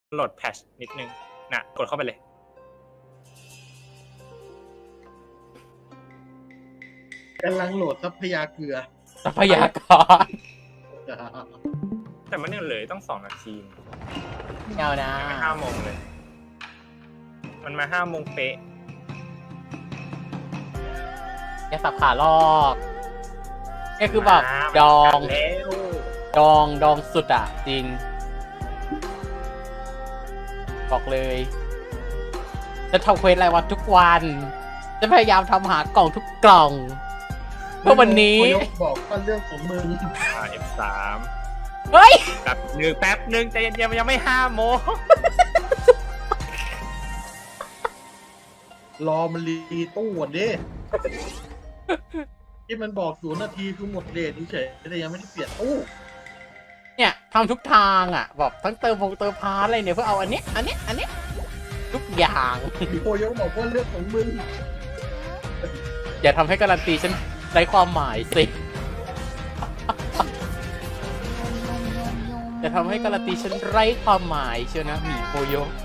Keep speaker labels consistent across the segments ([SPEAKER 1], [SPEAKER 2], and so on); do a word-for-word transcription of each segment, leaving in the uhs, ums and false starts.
[SPEAKER 1] โหลดแพทช์นิดนึงน่ะกดเข้าไปเลย
[SPEAKER 2] กำลังโหลดทรัพยาเกลือ
[SPEAKER 3] ทรัพยากร
[SPEAKER 1] แต่มันยังเหลือต้องสองนาที
[SPEAKER 3] เงานะ
[SPEAKER 1] ไม่ห้าโมงเลย มันมาห้าโมงเป๊ะ
[SPEAKER 3] แกสับขาลอกนี่คือแบบดอง
[SPEAKER 1] แล้ว
[SPEAKER 3] ดองดองสุดอะจริง บอกเลย จะทำเควสรายวันทุกวัน จะพยายามทำหากล่องทุกกล่องเพื่อวันนี้
[SPEAKER 2] ยกบอกว่าเรื่องของมึง
[SPEAKER 1] อ่า เอฟ สาม
[SPEAKER 3] เฮ้ย
[SPEAKER 1] แป๊บหนึ่งแป๊บหนึ่งใจเย็นๆมันยังไม่ห้าโมง
[SPEAKER 2] รอมันรีตู้ก่อนดิที่มันบอกศูนย์นาทีคือหมดเดทเฉยๆแต่ยังไม่ได้เปลี่ยนตู้
[SPEAKER 3] เนี่ยทำทุกทางอ่ะแบบทั้งเติมพงเติมพาร์ทอะไรเนี่ยเพื่อเอาอันเนี้ยอันเนี้ยอันเนี้ยทุกอย่าง
[SPEAKER 2] พี่โพยกบอกว่าเรื่องของมึง
[SPEAKER 3] อย่าทำให้การันตีฉันไร้ความหมายสิอย่าทำให้การันตีฉันไร้ความหมายเชียวนะหมีโคโยะ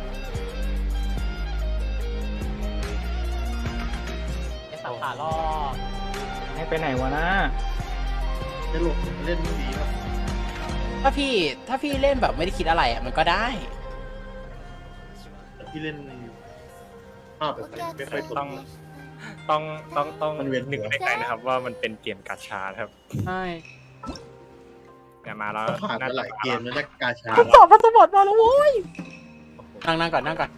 [SPEAKER 3] ไอ้สับขาลอก
[SPEAKER 4] ให้ไปไหนวะนะ
[SPEAKER 2] จะหลบเล่นไม่ดีครับ
[SPEAKER 3] ถ้าพี่ถ้าพี่เล่นแบบไม่ได้คิดอะไรอ่ะมันก็ได้
[SPEAKER 2] แต่พี่เล่นภาพแบบไม่ค่อย
[SPEAKER 1] ต้องต้องต้องต้อง
[SPEAKER 2] มันเวียนหัว
[SPEAKER 1] นึกในใจนะครับ ว่ามันเป็นเกมกาชาครับ
[SPEAKER 3] ใช่
[SPEAKER 1] เนี่ยมาแล้ว
[SPEAKER 2] ผ่านมาหลายเกมแล้วนะกาชา
[SPEAKER 3] สอบพัสบอดมาแล้วโว้ยนั่งนั่งก่อนนั่งก่อน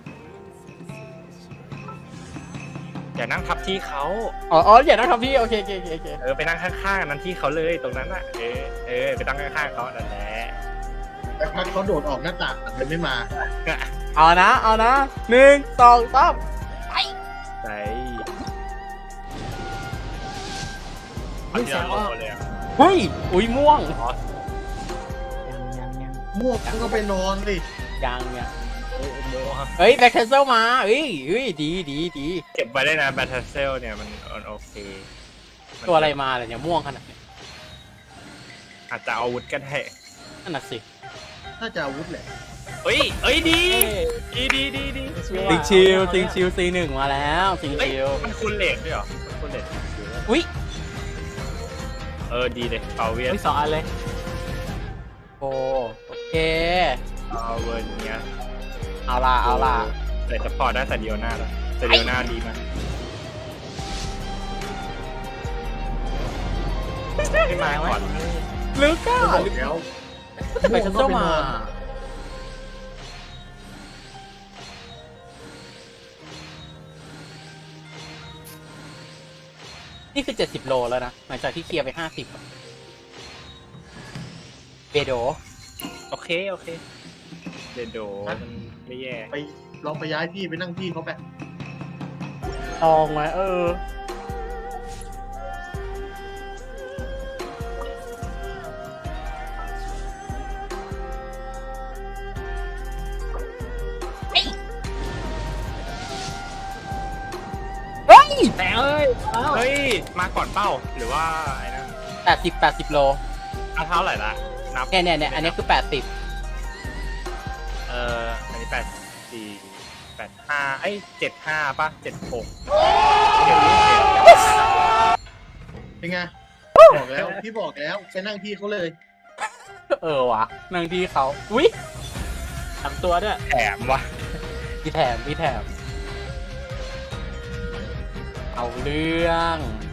[SPEAKER 1] อย่านั่งทับที่เขา
[SPEAKER 3] อ๋ออ๋ออย่านั่งทำพี่โอเคโอเคโอเคโอเค
[SPEAKER 1] เออไปนั่งข้างๆอันนั้นที่เขาเลยตรงนั้นอ่ะเออเออไปนั่งข้างๆเขานั่นแหละ
[SPEAKER 2] แต่พักเขาโดดออกหน้าต่างแต่มันไม่มา
[SPEAKER 3] เอานะเอานะหนึ่งสองสาม
[SPEAKER 1] ใช่
[SPEAKER 4] อุ๊ย
[SPEAKER 1] ที่เรา
[SPEAKER 4] แซว
[SPEAKER 1] โล
[SPEAKER 4] ว่า
[SPEAKER 1] เลยอะ
[SPEAKER 3] เฮ้ยอุ้ยม่วง
[SPEAKER 1] อ๋อ
[SPEAKER 4] ยังยังยัง
[SPEAKER 2] ม่วงก็ไปนอนสิ
[SPEAKER 3] ยังเนี่ย
[SPEAKER 1] โอ้โห
[SPEAKER 3] เฮ้ยแบ็คเทนเซลมาเฮ้ยเฮ้ยดีดีดี
[SPEAKER 1] เก็บไว้ได้นะแบทเซลเนี่ยมันมันโอเคมัน
[SPEAKER 3] ตัวอะไรมาเลยเนี่ยม่วงขนาดนี้
[SPEAKER 1] อาจจะเอาอาวุธก็ได้
[SPEAKER 3] นั่นน่ะสิ
[SPEAKER 2] น่าจะอาวุธแหละ
[SPEAKER 1] เฮ้ยเอ้ยดีดีดีดีดี
[SPEAKER 3] ซิงชิลซิงชิลซีหนึ่งมาแล้วซิง
[SPEAKER 1] เฮ้ย
[SPEAKER 3] ชิล
[SPEAKER 1] มันคูณเลทด้วยเหรอมันคูณเลทซิงชิล
[SPEAKER 3] อุ้ย
[SPEAKER 1] เออดีเลยเปาเวียน
[SPEAKER 4] ไม่สองอันเลย
[SPEAKER 3] โอ้โอเค
[SPEAKER 1] เอาเวิร์นเนี้ย
[SPEAKER 3] เอาล่ะเอาล่ะ
[SPEAKER 1] แต่จะพอได้แต่เดียวหน้าแล้วแต่เดียวหน้าดีมากไม่มาก่อน
[SPEAKER 3] ลึกอ่ะ
[SPEAKER 2] ก็บอกแล้ว
[SPEAKER 3] แบ็คเทนเซลมานี่คือเจ็ดสิบโลแล้วนะหลังจากที่เคลียร์ไปห้าสิบเบโด
[SPEAKER 1] โอเคโอเคเดโดมันไม่แย่
[SPEAKER 2] ไปลองไปย้ายที่ไปนั่งที่เขาไป
[SPEAKER 3] ลองไหมเออ เฮ้ย
[SPEAKER 4] แต่เอ้ยอ้าว
[SPEAKER 1] เฮ้ยมาก่อนเป้าหรือว่าไอ้นั่น
[SPEAKER 3] แปดสิบแปดสิบโล
[SPEAKER 1] เอาเท่าไหร่ละนับ
[SPEAKER 3] เนี่ยเนี่ยเนี่ยอันนี้คือแปดสิบ
[SPEAKER 1] เอ่ออันนี้แปดสี่แปดห้าเอ้ยเจ็ดห้าป่ะเจ็ดหกเจ็ด
[SPEAKER 2] เป็นไงบอกแล้วพี่บอกแล้วไปนั่งที่เขาเลย
[SPEAKER 3] เออวะนั่งที่เขาอุ้ย
[SPEAKER 4] ทำตัวด้วย
[SPEAKER 1] แถมวะ
[SPEAKER 3] มีแถมมีแถม เอาเรื่อง